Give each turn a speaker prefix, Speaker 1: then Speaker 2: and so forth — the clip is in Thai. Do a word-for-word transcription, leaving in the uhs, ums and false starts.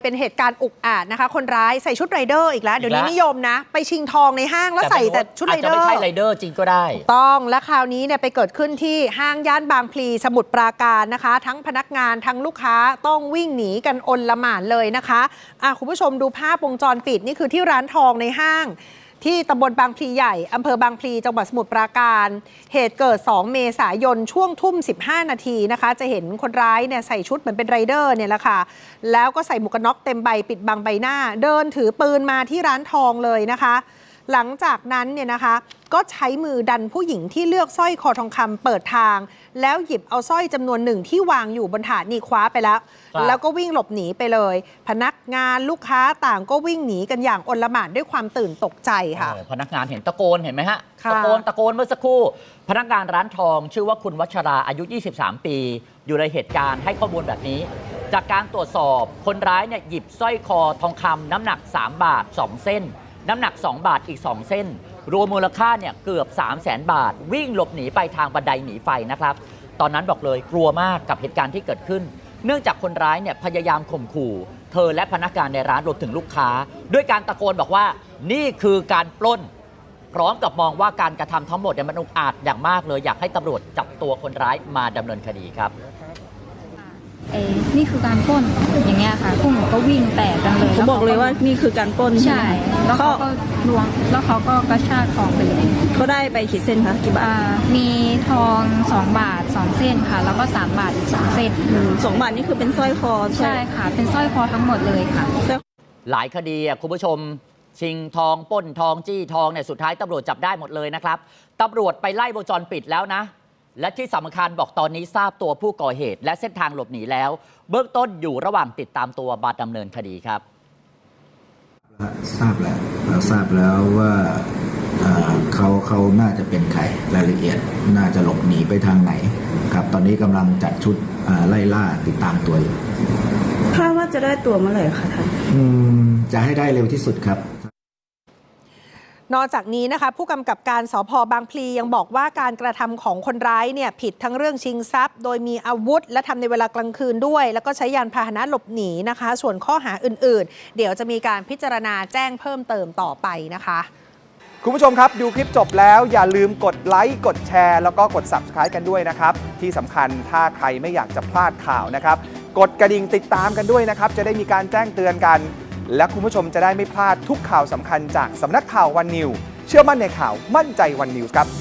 Speaker 1: เป็นเหตุการณ์อุกอาจนะคะคนร้ายใส่ชุดไรเดอร์อีกแล้วเดี๋ยวนี้นิยมนะไปชิงทองในห้างแล้วใส่แต่ชุดไรเดอร์อาจจะไม่
Speaker 2: ใช่ไรเดอร์จริงก็ได้
Speaker 1: ต้องและคราวนี้เนี่ยไปเกิดขึ้นที่ห้างย่านบางพลีสมุทรปราการนะคะทั้งพนักงานทั้งลูกค้าต้องวิ่งหนีกันอนละหม่านเลยนะคะอ่ะคุณผู้ชมดูภาพวงจรปิดนี่คือที่ร้านทองในห้างที่ตำบลบางพลีใหญ่อำเภอบางพลีจังหวัดสมุทรปราการเหตุเกิดสองเมษายนช่วงทุ่มสิบห้านาทีนะคะจะเห็นคนร้ายเนี่ยใส่ชุดเหมือนเป็นไรเดอร์เนี่ยแหละค่ะแล้วก็ใส่หมวกกันน็อกเต็มใบปิดบังใบหน้าเดินถือปืนมาที่ร้านทองเลยนะคะหลังจากนั้นเนี่ยนะคะก็ใช้มือดันผู้หญิงที่เลือกสร้อยคอทองคำเปิดทางแล้วหยิบเอาสร้อยจำนวนหนึ่งที่วางอยู่บนถาดนี่คว้าไปแล้วแล้วก็วิ่งหลบหนีไปเลยพนักงานลูกค้าต่างก็วิ่งหนีกันอย่างอลหม่านด้วยความตื่นตกใจค่ะ
Speaker 2: พนักงานเห็นตะโกนเห็นไหมฮะตะโกนตะโกนเมื่อสักครู่พนักงานร้านทองชื่อว่าคุณวัชราอายุยี่สิบสามปีอยู่ในเหตุการณ์ให้ข้อมูลแบบนี้จากการตรวจสอบคนร้ายเนี่ยหยิบสร้อยคอทองคำน้ำหนักสามบาทสองเส้นน้ำหนักสองบาทอีกสองเส้นรวมมูลค่าเนี่ยเกือบ สามแสน บาทวิ่งหลบหนีไปทางบันไดหนีไฟนะครับตอนนั้นบอกเลยกลัวมากกับเหตุการณ์ที่เกิดขึ้นเนื่องจากคนร้ายเนี่ยพยายามข่มขู่เธอและพนักงานในร้านรวมถึงลูกค้าด้วยการตะโกนบอกว่านี่คือการปล้นพร้อมกับมองว่าการกระทำทั้งหมดเนี่ยมันอุกอาจอย่างมากเลยอยากให้ตำรวจจับตัวคนร้ายมาดำเนินคดีครับ
Speaker 3: เอ้นี่คือการปล้นอย่างเงี้ยค่ะพวกหนูก็วิ่งแตกกันเลย
Speaker 4: เขาบอกเลยว่านี่คือการปล้น
Speaker 3: ใช่แล้วเขาก็ลวงแล้วเขาก็กระชากทองไปเลย
Speaker 4: เขาได้ไปกี่เส้นคะกี่บาท
Speaker 3: มีทองสองบาทสองเส้นค่ะแล้วก็สามบาทอีกสองเส้น
Speaker 4: สองบาทนี่คือเป็นสร้อยคอ
Speaker 3: ใช่ค่ะเป็นสร้อยคอทั้งหมดเลยค่ะ
Speaker 2: หลายคดีอ่ะคุณผู้ชมชิงทองปล้นทองจี้ทองเนี่ยสุดท้ายตำรวจจับได้หมดเลยนะครับตำรวจไปไล่วงจรปิดแล้วนะและที่สำคัญบอกตอนนี้ทราบตัวผู้ก่อเหตุและเส้นทางหลบหนีแล้วเบื้องต้นอยู่ระหว่างติดตามตัวมาดำเนินคดีครับ
Speaker 5: ทราบแล้วเราทราบแล้วว่าเขาเขาน่าจะเป็นใครรายละเอียดน่าจะหลบหนีไปทางไหนครับตอนนี้กำลังจัดชุดไล่ล่าติดตามตัวอยู่
Speaker 4: คาดว่าจะได้ตัวเมื่อไหร่คะท่าน
Speaker 5: จะให้ได้เร็วที่สุดครับ
Speaker 1: นอกจากนี้นะคะผู้กำกับการสภ.บางพลียังบอกว่าการกระทำของคนร้ายเนี่ยผิดทั้งเรื่องชิงทรัพย์โดยมีอาวุธและทำในเวลากลางคืนด้วยแล้วก็ใช้ยานพาหนะหลบหนีนะคะส่วนข้อหาอื่นๆเดี๋ยวจะมีการพิจารณาแจ้งเพิ่มเติมต่อไปนะคะ
Speaker 6: คุณผู้ชมครับดูคลิปจบแล้วอย่าลืมกดไลค์กดแชร์แล้วก็กด ซับสไครบ์ กันด้วยนะครับที่สำคัญถ้าใครไม่อยากจะพลาดข่าวนะครับกดกระดิ่งติดตามกันด้วยนะครับจะได้มีการแจ้งเตือนกันและคุณผู้ชมจะได้ไม่พลาดทุกข่าวสำคัญจากสำนักข่าววันนิวเชื่อมั่นในข่าวมั่นใจวันนิวส์ครับ